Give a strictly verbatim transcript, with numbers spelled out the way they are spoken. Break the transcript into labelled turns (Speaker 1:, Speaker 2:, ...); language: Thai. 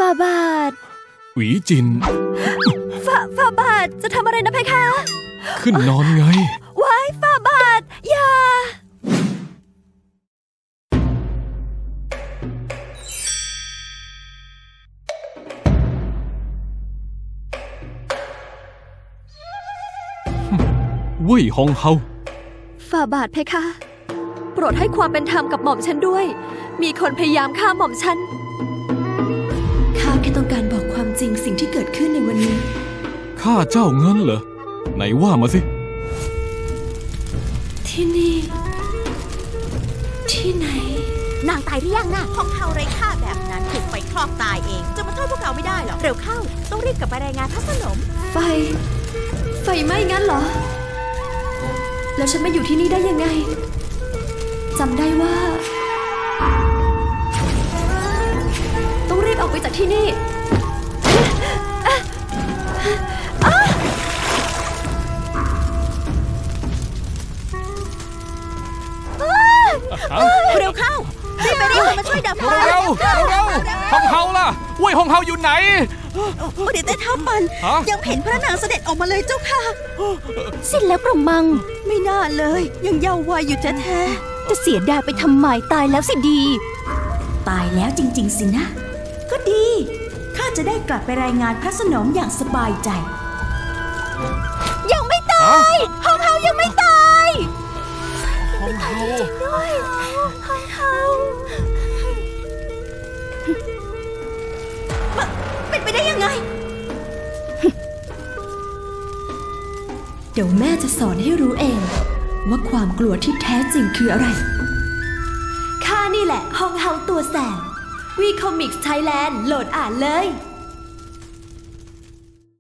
Speaker 1: ฝ่าบาท
Speaker 2: หวีจิน
Speaker 1: ฝ่าฝ่าบาทจะทำอะไรนะเพคะ
Speaker 2: ขึ้นนอนไง
Speaker 1: ว้ายฝ่าบาทอย่า
Speaker 2: เว่ยฮองเฮา
Speaker 1: ฝ่าบาทเพคะโปรดให้ความเป็นธรรมกับหม่อมฉันด้วยมีคนพยายามฆ่าหม่อมฉันข้าแค่ต้องการบอกความจริงสิ่งที่เกิดขึ้นในวันนี้
Speaker 2: ข้าเจ้าเงินเหรอไหนว่ามาสิ
Speaker 1: ที่นี่ที่ไหน
Speaker 3: นางตายหรือยังนะฮองเฮาไร้ค่าแบบนั้นถูกไฟคลอกตายเองจะมาโทษพวกเราไม่ได้หรอกเร็วเข้าต้องรีบกลับไปรายงานพระสนม
Speaker 1: ไฟไฟไหม้งั้นเหรอแล้วฉันมาอยู่ที่นี่ได้ยังไงจำได้ว่าต้องรีบออกไปจากที่นี่
Speaker 3: เร็วเข้ารีบไปเรียกคนมาช่วยดับไฟ
Speaker 2: เร็วเร็วเร็วฮองเฮาล่ะเว่ยฮองเฮาอยู่ไหน
Speaker 3: เดี๋ยวแต่เท้าปันยังเห็นพระนางเสด็จออกมาเลยเจ้าค่ะ
Speaker 1: สิ้นแล้วกระมัง
Speaker 3: ไม่น่าเลยยังเยาว์วัยอยู่แท้
Speaker 1: ๆจะเสียดายไปทำไมตายแล้วสิดี
Speaker 3: ตายแล้วจริงๆสินะก็ดีข้าจะได้กลับไปรายงานพระสนมอย่างสบายใจ
Speaker 1: ยังไม่ตายฮองเฮายังไม่ตาย
Speaker 2: ฮองเฮา
Speaker 1: จริงด้วยฮองเฮา
Speaker 3: เป็นไปได้ยังไง
Speaker 1: เดี๋ยวแม่จะสอนให้รู้เองว่าความกลัวที่แท้จริงคืออะไรข้านี่แหละฮองเฮาตัวแสบวีคอมิกส์ไทยแลนด์โหลดอ่านเลย